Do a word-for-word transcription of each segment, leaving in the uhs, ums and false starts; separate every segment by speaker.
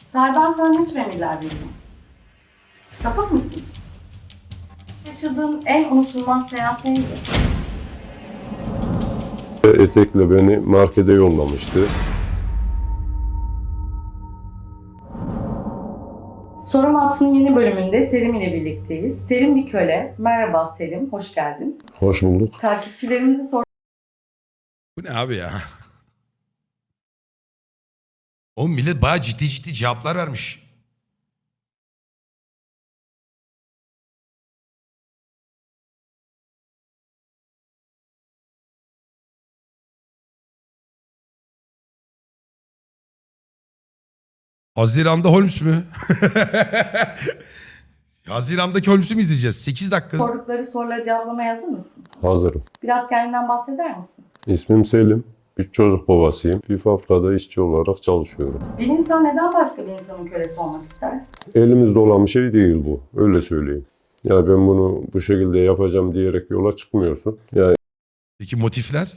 Speaker 1: Serben sana ne tür emirler veriyor? Sapık mısınız? Yaşadığın en unutulmaz seans neydi?
Speaker 2: Etekle beni markete yollamıştı.
Speaker 1: Sorum Aslının yeni bölümünde Serim ile birlikteyiz. Serim bir köle. Merhaba Serim, hoş geldin.
Speaker 2: Hoş bulduk.
Speaker 1: Takipçilerimizi sor.
Speaker 3: Bu ne abi ya? Oğlum millet bayağı ciddi ciddi cevaplar vermiş. Haziran'da Holmes mü? Haziran'daki Holmes'u mu izleyeceğiz? sekiz dakika.
Speaker 1: Sordukları soruları cevaplamaya hazır mısın?
Speaker 2: Hazırım.
Speaker 1: Biraz kendinden bahseder misin?
Speaker 2: İsmim Selim. Üç çocuk babasıyım. Bir fabrikada işçi olarak çalışıyorum.
Speaker 1: Bir insan neden başka bir insanın kölesi olmak ister?
Speaker 2: Elimizde olan bir şey değil bu. Öyle söyleyeyim. Ya ben bunu bu şekilde yapacağım diyerek yola çıkmıyorsun. Yani
Speaker 3: Peki motifler?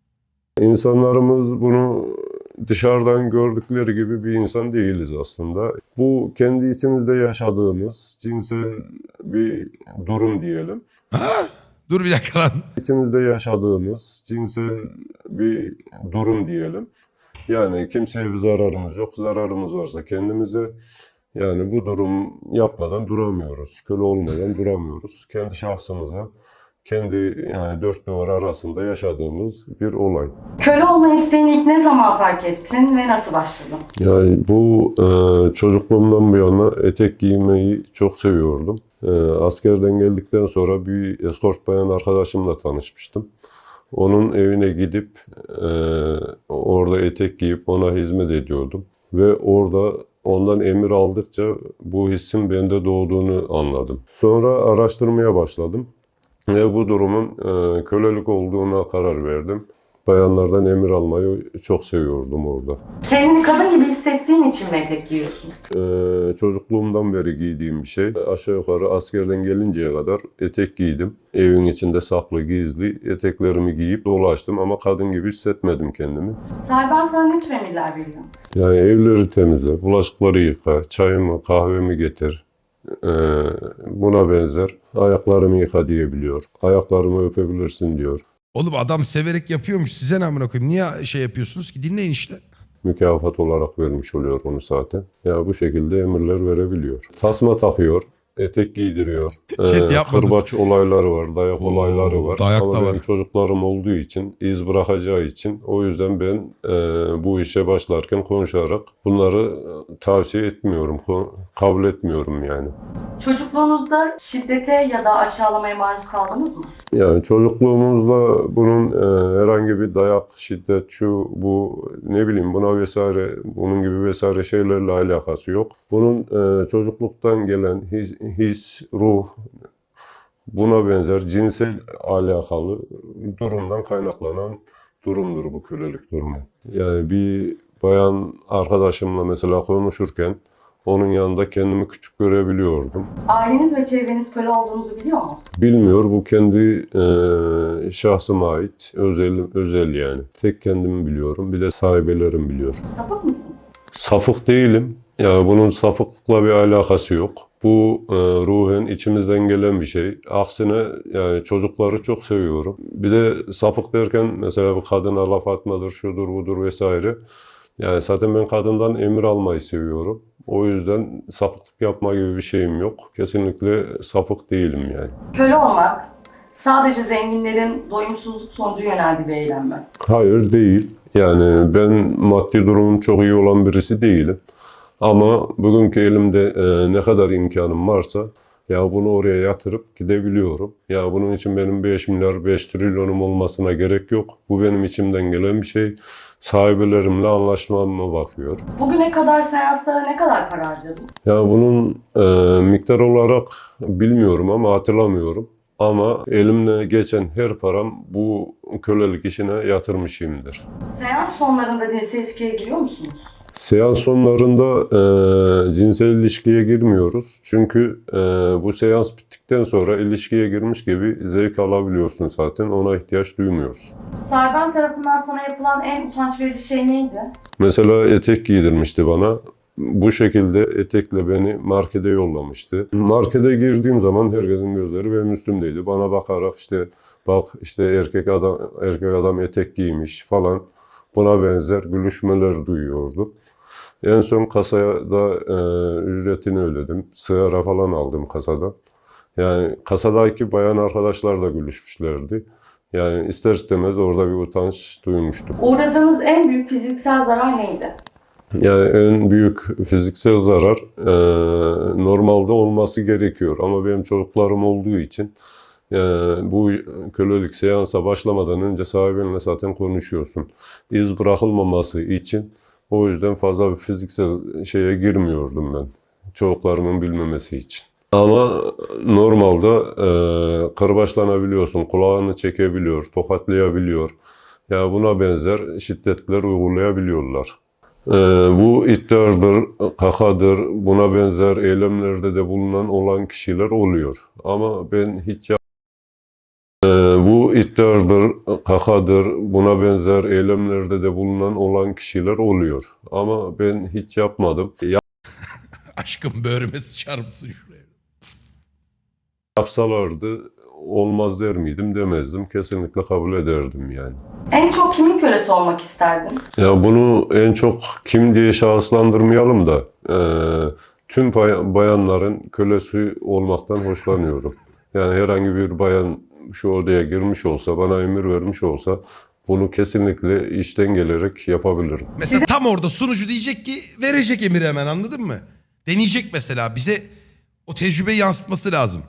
Speaker 2: insanlarımız bunu dışarıdan gördükleri gibi bir insan değiliz aslında. Bu kendi içimizde yaşadığımız cinsel bir durum diyelim.
Speaker 3: Ha? Dur bir dakika lan.
Speaker 2: İçimizde yaşadığımız cinsel bir durum diyelim. Yani kimseye bir zararımız yok. Zararımız varsa kendimize, yani bu durum yapmadan duramıyoruz. Köle olmadan duramıyoruz. Kendi şahsımıza, kendi yani dört duvar arasında yaşadığımız bir olay.
Speaker 1: Köle olma isteğini ilk ne zaman fark ettin ve nasıl başladın?
Speaker 2: Yani bu e, çocukluğumdan bu yana etek giymeyi çok seviyordum. E, askerden geldikten sonra bir eskort bayan arkadaşımla tanışmıştım. Onun evine gidip e, orada etek giyip ona hizmet ediyordum. Ve orada ondan emir aldıkça bu hissin bende doğduğunu anladım. Sonra araştırmaya başladım. Ve bu durumun e, kölelik olduğuna karar verdim. Bayanlardan emir almayı çok seviyordum orada.
Speaker 1: Kendini kadın gibi hissettiğin için mi etek giyiyorsun?
Speaker 2: Ee, çocukluğumdan beri giydiğim bir şey. Aşağı yukarı askerden gelinceye kadar etek giydim. Evin içinde saklı gizli eteklerimi giyip dolaştım ama kadın gibi hissetmedim kendimi.
Speaker 1: Serben sana ne tür emirler veriyor?
Speaker 2: Yani evleri temizle, bulaşıkları yıka, çayımı, kahvemi getir. Ee, buna benzer ayaklarımı yıka diyebiliyor. Ayaklarımı öpebilirsin diyor.
Speaker 3: Oğlum adam severek yapıyormuş. Size ne amına koyayım? Niye şey yapıyorsunuz ki? Dinleyin işte.
Speaker 2: Mükafat olarak vermiş oluyor onu zaten. Ya bu şekilde emirler verebiliyor. Tasma takıyor, etek giydiriyor.
Speaker 3: Chat
Speaker 2: Ee,
Speaker 3: yapmadım.
Speaker 2: kırbaç olayları var, dayak
Speaker 3: Oo,
Speaker 2: olayları var.
Speaker 3: dayak
Speaker 2: Ama
Speaker 3: da
Speaker 2: benim
Speaker 3: var.
Speaker 2: çocuklarım olduğu için, iz bırakacağı için o yüzden ben e, bu işe başlarken konuşarak bunları e, tavsiye etmiyorum, ko- kabul etmiyorum yani.
Speaker 1: Çocukluğunuzda şiddete ya da aşağılamaya maruz kaldınız mı?
Speaker 2: Yani çocukluğumuzda bunun e, herhangi bir dayak, şiddet, şu, bu, ne bileyim buna vesaire, bunun gibi vesaire şeylerle alakası yok. Bunun e, çocukluktan gelen his, his, ruh, buna benzer cinsel alakalı durumdan kaynaklanan durumdur bu kölelik durumu. Yani bir bayan arkadaşımla mesela konuşurken onun yanında kendimi küçük görebiliyordum.
Speaker 1: Aileniz ve çevreniz köle olduğunuzu biliyor mu?
Speaker 2: Bilmiyor, bu kendi e, şahsıma ait, özel, özel yani. Tek kendimi biliyorum, bir de sahibelerim biliyor.
Speaker 1: Sapık mısınız?
Speaker 2: Safık değilim, yani bunun safıklıkla bir alakası yok. Bu e, ruhen içimizden gelen bir şey. Aksine yani çocukları çok seviyorum. Bir de sapık derken mesela bu kadına laf atmadır, şudur budur vesaire. Yani zaten ben kadından emir almayı seviyorum. O yüzden sapıklık yapma gibi bir şeyim yok. Kesinlikle sapık değilim yani.
Speaker 1: Köle olmak sadece zenginlerin doyumsuzluk sonucu yöneldiği bir eylem mi?
Speaker 2: Hayır değil. Yani ben maddi durumum çok iyi olan birisi değilim. Ama bugünkü elimde e, ne kadar imkanım varsa ya bunu oraya yatırıp gidebiliyorum. Ya bunun için benim beş milyar, beş trilyonum olmasına gerek yok. Bu benim içimden gelen bir şey. Sahibelerimle anlaşmama bakıyor.
Speaker 1: Bugüne kadar seanslara ne kadar para harcadın?
Speaker 2: Ya bunun e, miktar olarak bilmiyorum ama hatırlamıyorum. Ama elimle geçen her param bu kölelik işine yatırmışımdır.
Speaker 1: Seans sonlarında cinsel ilişkiye giriyor musunuz?
Speaker 2: Seans sonlarında e, cinsel ilişkiye girmiyoruz. Çünkü e, bu seans bittikten sonra ilişkiye girmiş gibi zevk alabiliyorsun zaten. Ona ihtiyaç duymuyoruz.
Speaker 1: Serben tarafından sana yapılan en utanç verici şey neydi?
Speaker 2: Mesela etek giydirmişti bana. Bu şekilde etekle beni markete yollamıştı. Markete girdiğim zaman herkesin gözleri benim üstümdeydi. Bana bakarak işte bak işte erkek adam erkek adam etek giymiş falan, buna benzer gülüşmeler duyuyordum. En son kasaya da e, ücretini ödedim. Sigara falan aldım kasada. Yani kasadaki bayan arkadaşlar da gülüşmüşlerdi. Yani ister istemez orada bir utanç duymuştum.
Speaker 1: Uğradığınız en büyük fiziksel zarar neydi?
Speaker 2: Yani en büyük fiziksel zarar e, normalde olması gerekiyor. Ama benim çocuklarım olduğu için e, bu kölelik seansa başlamadan önce sahibinle zaten konuşuyorsun. İz bırakılmaması için o yüzden fazla bir fiziksel şeye girmiyordum ben. Çocuklarımın bilmemesi için. Ama normalde e, kırbaçlanabiliyorsun, kulağını çekebiliyor, tokatlayabiliyor. Ya buna benzer şiddetler uygulayabiliyorlar. Ee, bu iddiadır, kakadır, buna benzer eylemlerde de bulunan olan kişiler oluyor. Ama ben hiç yap Ee, bu iddiadır, kakadır, buna benzer eylemlerde de bulunan olan kişiler oluyor. Ama ben hiç yapmadım.
Speaker 3: Aşkım böğrüme sıçar mısın şuraya?
Speaker 2: Yapsalardı olmaz der miydim, demezdim. Kesinlikle kabul ederdim yani.
Speaker 1: En çok kimin kölesi olmak isterdin?
Speaker 2: Ya bunu en çok kim diye şahıslandırmayalım da e, tüm bay- bayanların kölesi olmaktan hoşlanıyorum. Yani herhangi bir bayan şu odaya girmiş olsa, bana emir vermiş olsa bunu kesinlikle içten gelerek yapabilirim.
Speaker 3: Mesela tam orada sunucu diyecek ki verecek emiri hemen, anladın mı? Deneyecek mesela, bize o tecrübeyi yansıtması lazım.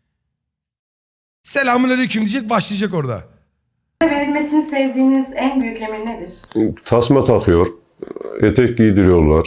Speaker 3: Selamünaleyküm diyecek, başlayacak orada.
Speaker 1: Size verilmesini sevdiğiniz en büyük emir nedir?
Speaker 2: Tasma takıyor, etek giydiriyorlar,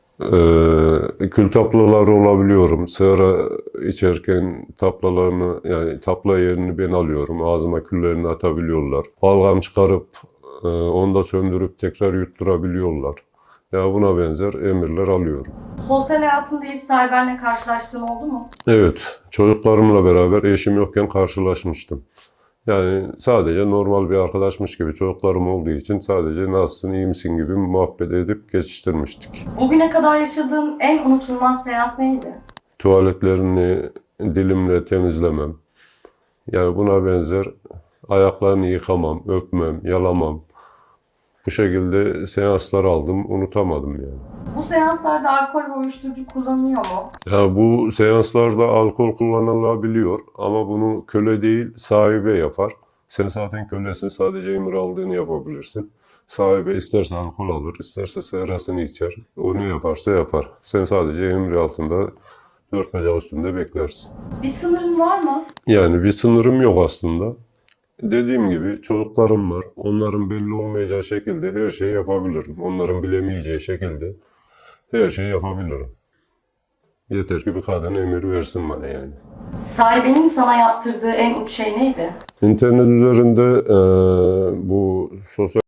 Speaker 2: e, kül taplalar olabiliyorum. Sigara içerken taplalarını, yani tapla yerini ben alıyorum. Ağzıma küllerini atabiliyorlar. Balgam çıkarıp e, onu da söndürüp tekrar yutturabiliyorlar. Ya buna benzer emirler alıyorum.
Speaker 1: Sosyal hayatında hiç Cyber'le karşılaştığın oldu mu?
Speaker 2: Evet, çocuklarımla beraber eşim yokken karşılaşmıştım. Yani sadece normal bir arkadaşmış gibi, çocuklarım olduğu için sadece nasılsın, iyi misin gibi muhabbet edip geçiştirmiştik.
Speaker 1: Bugüne kadar yaşadığın en unutulmaz seans neydi?
Speaker 2: Tuvaletlerini dilimle temizlemem. Yani buna benzer ayaklarını yıkamam, öpmem, yalamam. Bu şekilde seanslar aldım, unutamadım yani.
Speaker 1: Bu seanslarda alkol ve uyuşturucu kullanılıyor mu?
Speaker 2: Ya bu seanslarda alkol kullanılabiliyor ama bunu köle değil sahibe yapar. Sen zaten kölesin, sadece emir aldığını yapabilirsin. Sahibe isterse alkol alır, isterse sigarasını içer. O ne yaparsa yapar. Sen sadece emir altında dört bacak üstünde beklersin.
Speaker 1: Bir sınırın var mı?
Speaker 2: Yani bir sınırım yok aslında. Dediğim gibi çocuklarım var. Onların belli olmayacağı şekilde her şeyi yapabilirim. Onların bilemeyeceği şekilde her şeyi yapabilirim. Yeter ki bir kadın emir versin bana yani.
Speaker 1: Sahibinin sana yaptırdığı en uç şey neydi?
Speaker 2: İnternet üzerinde eee, bu sosyal